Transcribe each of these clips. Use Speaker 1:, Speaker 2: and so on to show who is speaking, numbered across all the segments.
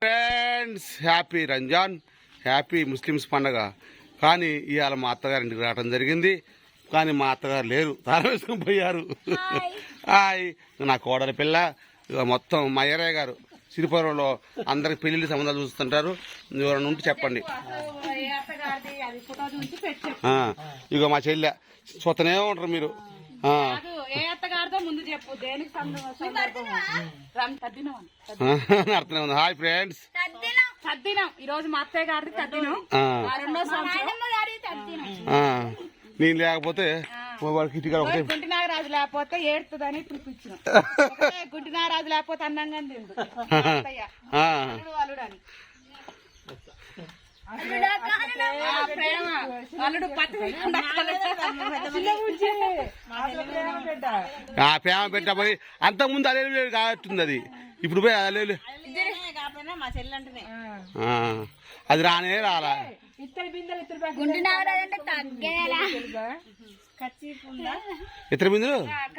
Speaker 1: Friends happy Ramzan, happy Muslims పండగ. కానీ ఇవాళ మా అత్తగారింటికి రావడం జరిగింది. కానీ మా అత్తగారు లేరు, తాళం వేసుకొని పోయారు. హాయ్, నా కోడలి పిల్ల. మొత్తం మా ఏరయ్య గారు సిరిపురంలో అందరికి పెళ్లి సంబంధాలు చూస్తుంటారు. ఎవరైనా ఉంటే చెప్పండి. ఇగో మా చెల్లె చూస్తూనే ఉంటారు మీరు. అర్థమే ఉంది. హాయ్ ఫ్రెండ్స్,
Speaker 2: ఈరోజు మా అత్తయ్య గారిది తద్దినం.
Speaker 1: నేను లేకపోతే
Speaker 2: గుంటి నాగరాజు లేకపోతే ఏడుతుందని పిలిపించిన. గుంటి నాగరాజు లేకపోతే అన్నంగా తిండు అల్లుడని. అల్లుడు
Speaker 1: ప్రేమ పెట్టబోయి అంత ముందు అలే కావట్టుంది. అది ఇప్పుడు పోయి అలే అది రానే రాలా. ఇతర బిందులు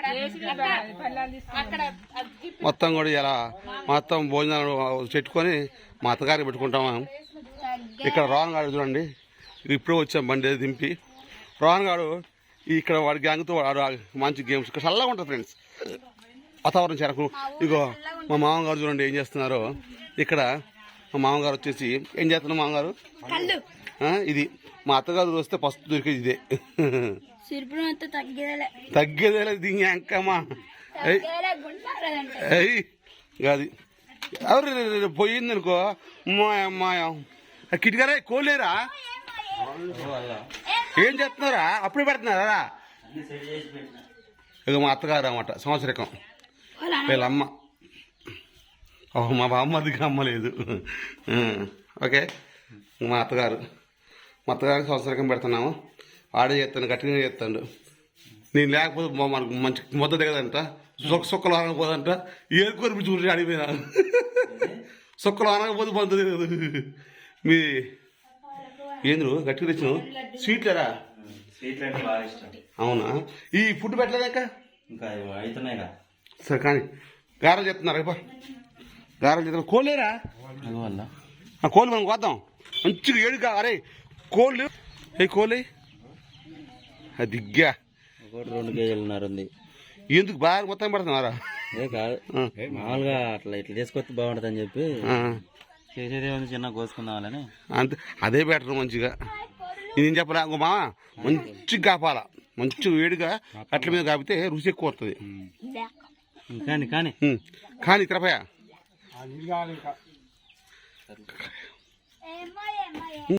Speaker 1: మొత్తం కూడా ఇలా మొత్తం భోజనాలు పెట్టుకొని మా అత్తగారికి పెట్టుకుంటాము. ఇక్కడ రోహన్ గారు చూడండి, ఇప్పుడే వచ్చాం బండి దింపి. రోహన్ గారు ఇక్కడ వాడి గ్యాంగ్తో వాడు మంచి గేమ్స్ ఇక్కడ చల్లగా ఉంటుంది ఫ్రెండ్స్, వాతావరణం చెరకు. ఇగో మా మామగారు చూడండి ఏం చేస్తున్నారో. ఇక్కడ మా మామగారు వచ్చేసి ఏం చేస్తున్నారు మామగారు? ఇది మా అత్తగారు వస్తే ఫస్ట్ దొరికేది ఇదే. తగ్గేదేలే దీని అంకమ్మా. అది ఎవరు పోయింది అనుకో మాయా. కిటికరే కోలేరా ఏం చేస్తున్నారా? అప్పుడే పెడుతున్నారా? ఇక మా అత్తగారు అన్నమాట సంవత్సరకం వీళ్ళమ్మ. మా బామ్మదికి అమ్మ లేదు. ఓకే, మా అత్తగారికి సంవత్సరకం పెడుతున్నాము. ఆడే చేస్తాను, గట్టిగా చేస్తాడు. నేను లేకపోతే మనకు మంచి మొద్ద దిగదంట, సొక్కలు అనకపోదంట. ఏరుకొని చూసి అడిగిపోయినా సొక్కలు అనకపోతే మొద్ద దిగదు. మీ ఏంద్రు గట్టిగా తెచ్చిన స్వీట్లేరా? అవునా? ఈ ఫుడ్ పెట్టలేదాక సరే. కానీ గారెలు చెప్తున్నారు ఇప్ప, గారెలు చెప్తున్నారు. కోళ్ళేరా? కోళ్ళు మనం కోద్దాం మంచిగా ఏడుగా. అరే కోళ్ళు ఏ కోళ్ళు దిగ్గా
Speaker 3: 2 కేజీలున్నర ఉంది.
Speaker 1: ఎందుకు బాగా మొత్తం పెడుతున్నారా?
Speaker 3: కాదు, మామూలుగా అట్లా ఇట్లా తీసుకొస్తే బాగుంటుంది అని చెప్పి చేసేదే ఉంది, చిన్న కోసుకుందామని
Speaker 1: అంతే. అదే బెటర్ మంచిగా. నేను చెప్పరా మా మంచిగా కాపాలా, మంచిగా వేడిగా అట్ల మీద కాపితే రుచి ఎక్కువ వస్తుంది.
Speaker 3: కానీ కానీ
Speaker 1: కానీ తిరపయ